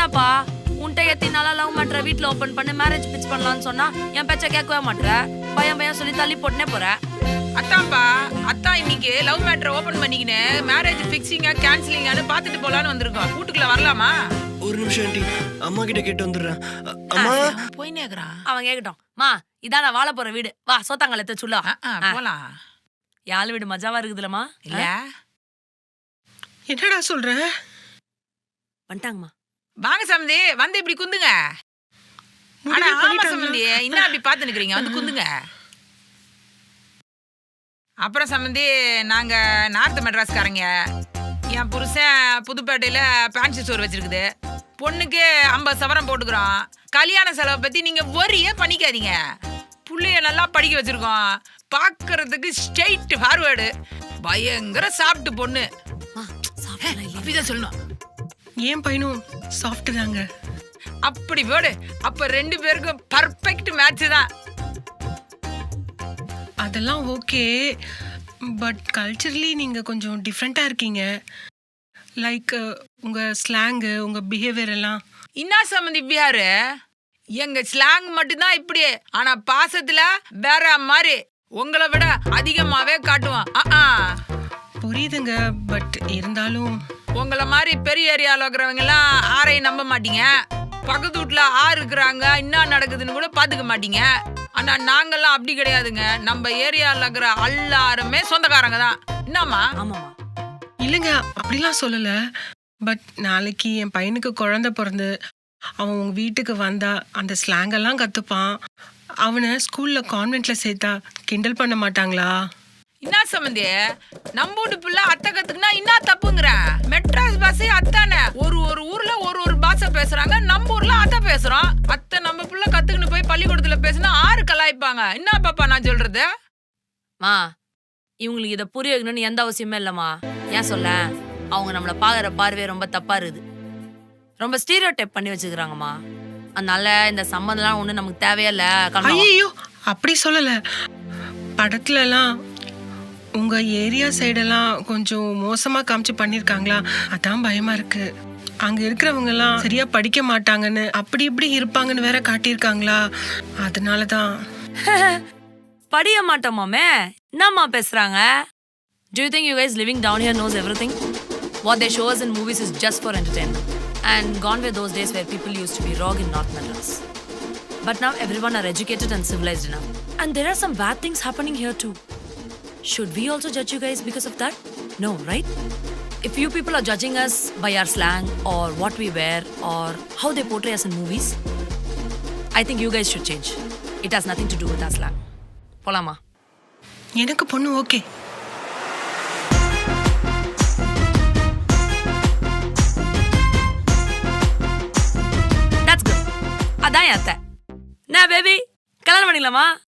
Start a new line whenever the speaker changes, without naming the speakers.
என்னப்பா உன்ட்ட எத்தினால லவ் மேட்ரை வீட்டுல ஓபன் பண்ணி மேரேஜ் பிச் பண்ணலாம்னு சொன்னா என் பேச்ச கேட்கவே மாட்டேற. பையன் சொல்லி தள்ளி போட்டுனே போற.
அத்தான்பா, அத்தான் இன்னைக்கு லவ் மேட்டரை ஓபன் பண்ணிக்கினு மேரேஜ் ஃபிக்ஸிங்கா கேன்சலிங்கான்னு பாத்துட்டு போலான்னு வந்திருக்கோம். வீட்டுக்குள்ள வரலாமா?
ஒரு நிமிஷம் ஆண்டி, அம்மா கிட்ட கேட்டு வந்துடுறேன். அம்மா
போய் நேக்குறான்.
அவன் கேக்கட்டும். மா இதான் நான் வாழ போற வீடு, வா சோத்தாங்கல எடுத்து சொல்லா.
போலாம்.
யாழ் வீடு மஜாவா இருக்குதுலமா?
இல்ல
என்னடா சொல்ற?
வந்துட்டாங்கம்மா.
வாங்க சம்பந்தி, வந்து இப்படி குந்துங்க. ஆனா ஆமா சம்பந்தி, இன்னும் அப்படி பாத்து நிக்கிறீங்க, வந்து குந்துங்க. அப்புறம் சம்பந்தி, நாங்க நார்த் மெட்ராஸ்காரங்க. என் புருஷன் புதுப்பேட்டையில பேன்சி ஸ்டோர் வச்சிருக்குது. பொண்ணுக்கு 50 சவரம் போட்டுக்கிறோம். கல்யாண செலவை பத்தி நீங்க ஒரியே பண்ணிக்காதீங்க. புள்ளைய நல்லா படிக்க வச்சிருக்கோம். பாக்குறதுக்கு ஸ்ட்ரெயிட் ஃபார்வேர்டு, பயங்கர சாப்பிட்டு பொண்ணு. அப்படிதான் சொல்லணும்.
ஏன் பையனும் சாஃப்ட் தாங்க.
அப்படி போடு. அப்ப 2 பேருக்கும் பர்ஃபெக்ட் மேட்ச் தான்.
அதெல்லாம் ஓகே, பட் கல்ச்சரலி நீங்க கொஞ்சம் டிஃப்ரெண்டா இருக்கீங்க. லைக் உங்க ஸ்லாங்கு, உங்க பிஹேவியர் எல்லாம்.
இன்னா சம்பந்தி பிஹாரு, எங்க ஸ்லாங் மட்டும்தான் இப்படி, ஆனா பாசத்துல வேற மாதிரி உங்களை விட அதிகமாவே காட்டுவோம்.
புரியுதுங்க, பட் இருந்தாலும்
உங்களை மாதிரி பெரிய ஏரியாவில் இருக்கிறவங்க எல்லாம் ஆரையும் நம்ப மாட்டீங்க. பக்கத்து வீட்டுல ஆறு இருக்கிறாங்க, என்ன நடக்குதுன்னு கூட பாத்துக்க மாட்டீங்க. ஆனா நாங்கெல்லாம் அப்படி கிடையாதுங்க. நம்ம ஏரியாவில் இருக்கிற எல்லாருமே சொந்தக்காரங்க தான். என்னம்மா?
ஆமாமா.
இல்லைங்க, அப்படிலாம் சொல்லல. பட் நாளைக்கு என் பையனுக்கு குழந்தை பிறந்து அவன் உங்க வீட்டுக்கு வந்தா அந்த ஸ்லாங் எல்லாம் கத்துப்பான். அவனை ஸ்கூல்ல கான்வென்ட்ல சேர்த்தா கிண்டல் பண்ண மாட்டாங்களா?
என்ன சம்பந்தி, நம்ம வீட்டு பிள்ளை அத்தை கத்துக்குனா என்ன தப்புங்கிற? மெட்ராஸ் பாஷை அத்தானே. ஒரு ஊர்ல ஒரு பாஷை பேசுறாங்க. நம்ம ஊர்ல அத்தை பேசுறோம். அத்தை நம்ம பிள்ளை கத்துக்கின்னு போய் பள்ளிக்கூடத்துல பேசினா ஆறு கலாய்ப்பாங்க. என்ன பாப்பா நான் சொல்றது?
மா இவங்களுக்கு இதை புரிய வைக்கணும்னு எந்த அவசியமே இல்லம்மா. ஏன் சொல்ல, அவங்க நம்மளை பாக்குற பார்வை ரொம்ப தப்பா இருக்குது. ரொம்ப ஸ்டீரியோ டைப் பண்ணி வச்சுக்கிறாங்கம்மா. அதனால இந்த சம்மந்தம்லாம் ஒண்ணு நமக்கு தேவையில்ல.
ஐயோ, அப்படி சொல்லல. படத்துல எல்லாம் உங்க ஏரியா சைடெல்லாம் கொஞ்சம் மோசமா காமிச்சு பண்ணிருக்காங்களா, அதான் பயமா இருக்கு. அங்க இருக்கிறவங்க எல்லாம் சரியா படிக்க மாட்டாங்கன்னு, அப்படி இப்படி இருப்பாங்கன்னு வேற காட்டியிருக்காங்களா, அதனாலதான்.
படிய மாட்டோமாமே, என்னம்மா பேசுறாங்க? Do you think you guys living down here knows everything? What they show us in movies is just for entertainment. And gone were those days where people used to be raw in North Madras. But now everyone are educated and civilized enough. And there are some bad things happening here too. Should we also judge you guys because of that? No, right? If you people are judging us by our slang or what we wear or how they portray us in movies, I think you guys should change. It has nothing to do with our slang. Polama.
எனக்கு பொண்ணு okay.
That's good. அதான் அத்தை. நான் baby கல்யாணம் பண்ணிக்கலாமா?